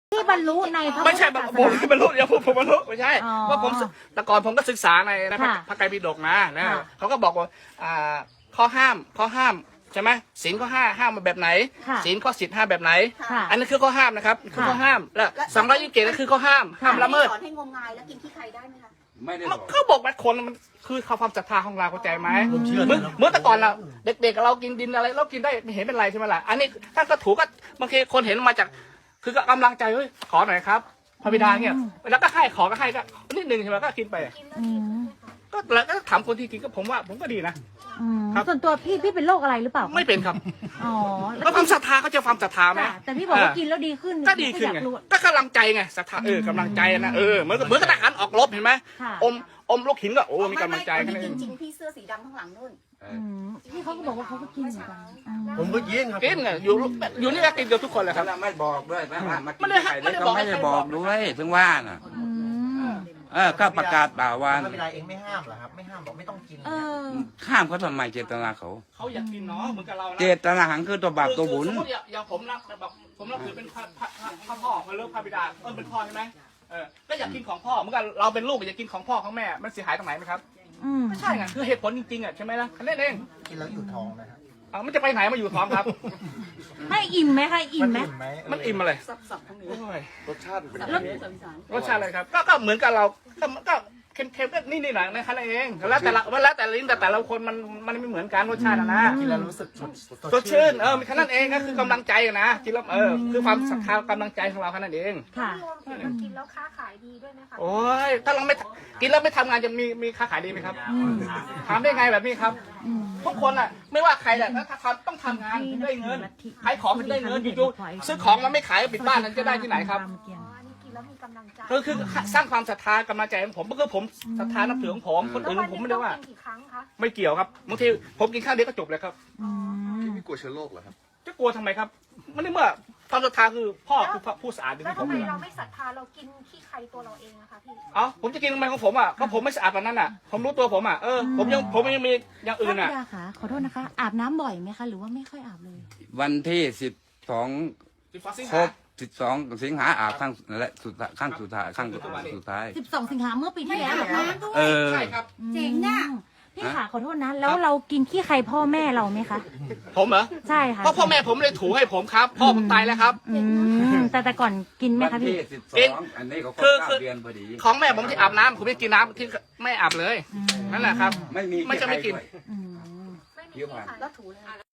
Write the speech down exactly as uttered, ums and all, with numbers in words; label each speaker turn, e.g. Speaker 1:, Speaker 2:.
Speaker 1: ที่บรรลุในพระ
Speaker 2: ไม่ใช่
Speaker 1: พุทธศาส
Speaker 2: ผม
Speaker 1: นา
Speaker 2: บรรลุเดี๋ยวผมผมบรรลุไม่ใช่
Speaker 1: อ๋อ
Speaker 2: ว่าผมแต่ก่อนผมก็ศึกษาในในพระ
Speaker 1: ค่ะ
Speaker 2: พระไตรปิฎกนะนะ
Speaker 1: ค่ะ
Speaker 2: เขาก็บอกว่าอ่าข้อห้ามข้อห้ามใช่ไหมศีลข้อห้าห้ามมาแบบไหน
Speaker 1: ค่ะ
Speaker 2: ศีลข้อสิบห้าแบบไหน
Speaker 1: ค่ะ
Speaker 2: อันนั้นคือข้อห้ามนะครับคือ
Speaker 1: ค่ะ
Speaker 2: ข้อห้ามแล้วสองร้อยยี่สิบเจ็ดก็คือข้อห้ามห้ามละเมิด
Speaker 3: สอนให้งมงายแล้วกินขี้ใครได้ไหมคะ
Speaker 4: ไม่ได้
Speaker 2: มั
Speaker 4: บ
Speaker 2: น
Speaker 4: อก
Speaker 2: เขาบอกว่าคนมันคือความศรัทธาของเราเข้าใจไหม
Speaker 5: ผมเชื่อ
Speaker 2: เมื่อ
Speaker 5: นะ
Speaker 2: เมื่อแต่ก่อนเราเด็กๆกับเรากินดินอะไรเรากินได้ไม่เห็นเป็นไรใช่ไหมล่ะอันนี้ถ้าก็ถูกก็บางทีคนเห็นมาจากคือก็กำลังใจเฮ้ยขอหน่อยครับพระบิดาเนี่ยแล้วก็ให้ขอก็ให้ก็นิดนึงใช่ไหมก็กินไป
Speaker 1: อืม
Speaker 2: ก็แล้วก็ถามคนที่กินก็ผมว่าผมก็ดีนะ
Speaker 1: อืม
Speaker 2: ครับ
Speaker 1: ส่วนตัวพี่พี่เป็นโรคอะไรหรือเปล่า
Speaker 2: ไม่เป็นครับ
Speaker 1: อ๋อ
Speaker 2: แล้วความศรัทธาเขาจะความศรัทธาไหม
Speaker 1: ค่ะแต่พี่บอกว่ากินแล้วดีขึ้น
Speaker 2: ก็ดีขึ้น
Speaker 1: อยา
Speaker 2: ไง
Speaker 1: รู้
Speaker 2: ก็กำลังใจไงศรัทธาเออกำลังใจนะเออเหมือนกับเหมือนกับทหารออกรบเห็นไหม
Speaker 1: ค่ะ
Speaker 2: อมอมลูกหินก็โอ้มีกำลังใจ
Speaker 3: ไม่
Speaker 2: แค่
Speaker 3: ไม่
Speaker 2: นั้นเอง
Speaker 3: จริงๆพี่เสื้อสีดำข้างหลังนู่น
Speaker 1: อืมพี่เขาก็บอกว่าเขาก็กินเหมือนกันอืม
Speaker 5: ผมก็ยินครับ
Speaker 2: กินไงอยู่อยู่นี่ก็กินเดียวทุกคนเลยครับ
Speaker 4: แล้วไม่บอกด้วยว่าว่ามากิ
Speaker 2: ไม่
Speaker 4: น
Speaker 2: ได้
Speaker 4: ไข่
Speaker 2: ไม่
Speaker 4: แล้ว
Speaker 2: ได้
Speaker 4: ก็
Speaker 2: บอก
Speaker 4: ไม่ได้
Speaker 2: ให้ใคร
Speaker 4: บบ อ
Speaker 2: อก ก
Speaker 4: ด้วยถึงว่าน่ะ
Speaker 1: อืม
Speaker 4: เออก็ประกาศเปล่าว่า
Speaker 5: พระบิดาเองไม่ห้ามเหรอครับ ไม่ห้ามบอกไม่ต้องกิน
Speaker 1: เออ
Speaker 4: ข้ามเขาทำไมเจตนาเขา
Speaker 2: เขาอยากกินเนาะเหมือนกับเรานะ
Speaker 4: เจตนาหังคือตัวบาปตัวบุญ
Speaker 2: คือสมมติอย่างผมนะแบบผมนับถือเป็นพระพระพระพระพ่อพระเลิกพระบิดาเออเป็นพ่อใช่ไหมเออก็อยากกินของพ่อเหมือนกันเราเป็นลูกอยากกินของพ่อของแม่มันเสียหายตรงไหนไหมครับ
Speaker 1: อืม
Speaker 2: ไม่ใช่ไงคือเหตุผลจริงๆอ่ะใช่ไหมล่ะแค่นั้นเอง
Speaker 5: กินแล้วอยู่ท้องนะครับ
Speaker 2: เอามันจะไปไหนมาอยู่ท้องครับ
Speaker 1: ให้อิ่มไหมคะอิ่มไหม
Speaker 5: อิ่มไหม
Speaker 2: มันอิ่มอะไร
Speaker 3: สับสับทั้งนี้
Speaker 2: โอ้ย
Speaker 5: รสชาติเป็น
Speaker 3: สับ
Speaker 5: ยัง
Speaker 3: ทั้ง
Speaker 5: ไง
Speaker 3: นี้สับอีสาน
Speaker 2: รสชาติอะไรครับ ก็ก็เหมือนกับเราก็ก็เค็มๆก็นี่นี่หน่อยนะครับเองแล้วแต่ละแล้วแต่ละลิ้นแต่แต่ละคนมันมันไม่เหมือนกันรสชาติอะนะ
Speaker 5: กินแล้วรู้สึกสด
Speaker 2: สดชื่นเออมีแค่นั้นเองก็คือกำลังใจอะนะกินแล้วเออคือความศรัทธากำลังใจของเราแค่นั้นเอง
Speaker 1: ค่ะ
Speaker 6: รวมถึงมันกินแล้วค้าขายดีด้วยไหมคะ
Speaker 2: โอ้ยถ้าเราไม่กินแล้วไม่ทำงานจะมีมีค้าขายดีไหมครับ
Speaker 1: อืม
Speaker 2: ถามได้ไงแบบนี้ครับ
Speaker 1: อืม
Speaker 2: ทุกคนอ่ะไม่ว่าใครแหละถ้าทำต้องทำงานถึงได้เงินขายของถึงได้เงินอยู่ๆซื้อของแล้วไม่ขายปิดบ้านนั้นจะได้ที่ไหนครับ
Speaker 6: อ๋ออันนี้กินแล้วมีกำลังใจ
Speaker 2: ก็คือสร้างความศรัทธากำลังใจของผมก็คือผมศรัทธานับถือของผมคน
Speaker 6: แล้ว
Speaker 2: อื่น
Speaker 6: วัน
Speaker 2: ผม
Speaker 6: หนึ
Speaker 2: ไม่
Speaker 6: ง
Speaker 2: ได้
Speaker 6: ต้อง
Speaker 2: ว่า
Speaker 6: กินกี่ครั้งคะ
Speaker 2: ไม่เกี่ยวครับบางทีผมกินข้าวเดียวก็จบเลยครับ
Speaker 1: อืม
Speaker 5: ไม่กลัวเชื้อโรคเหรอครับ
Speaker 2: จะกลัวทำไมครับมันในเมื่อความศรัทธาคือพ่อคือผู้สะอาดดึง
Speaker 6: แล้ว
Speaker 2: ให้ผ
Speaker 6: ทำ
Speaker 2: ม
Speaker 6: ไม
Speaker 2: เลย
Speaker 6: เราไม่ศรัทธาเรากินขี้ใครตัวเราเองอะคะพี่
Speaker 2: เอ้าผมจะกินทำไมของผมอ่ะก็ผมไม่สะอาดแบบนั้นอ่ะ ผมรู้ตัวผมอ่ะเออผมยังผมยังมีอย่างอื่น
Speaker 1: พระ
Speaker 2: อ่ะ
Speaker 1: บิดาค่ะขอโทษนะคะ อาบน้ำบ่อยไหมคะ หรือว่าไม่ค่อยอาบเลย
Speaker 4: วันที่สิบสอง
Speaker 2: สิบสองสิง
Speaker 4: คร
Speaker 2: หา
Speaker 4: บสิบสองสิงหาอาบข้างและสุดท้ายข้างสุดท้ายข้างสุดท้าย
Speaker 1: สิบสองสิงหาเมื่อปีที่แล้วเหรอคะ
Speaker 4: เออ
Speaker 2: ใช่ครับ
Speaker 1: เจ๋งอ่ะพี่ค่ะขอโทษนะ แล้วเรากินขี้ใครพ่อแม่เราไหมคะ
Speaker 2: ผมเหรอ
Speaker 1: ใช่ค่ะ
Speaker 2: เพราะพ่อแม่ผมเลยถูให้ผมครับพ่อผมตายแล้วครับ
Speaker 1: อืมแต่แต่ก่อนกินไหม
Speaker 4: วัน
Speaker 1: คะพี่
Speaker 4: ที่สิบส
Speaker 2: เอ๊ะ
Speaker 4: องอันนี้เขาคร
Speaker 2: คื
Speaker 4: บ
Speaker 2: อคื
Speaker 4: เก้า
Speaker 2: อ
Speaker 4: เดือนพอดี
Speaker 2: ของแม่ผมที่อาบน้ำผมไม่กินน้ำที่ไม่อาบเลยนั่นแหละครับ
Speaker 4: ไม่มี
Speaker 2: ไม่จะไม่กิน
Speaker 4: ใครด้วย
Speaker 1: อืม
Speaker 6: ไม่มี
Speaker 4: เดี๋ยว
Speaker 6: ขี้
Speaker 4: ผ่าน
Speaker 6: ใคร
Speaker 3: แล้วถูเลย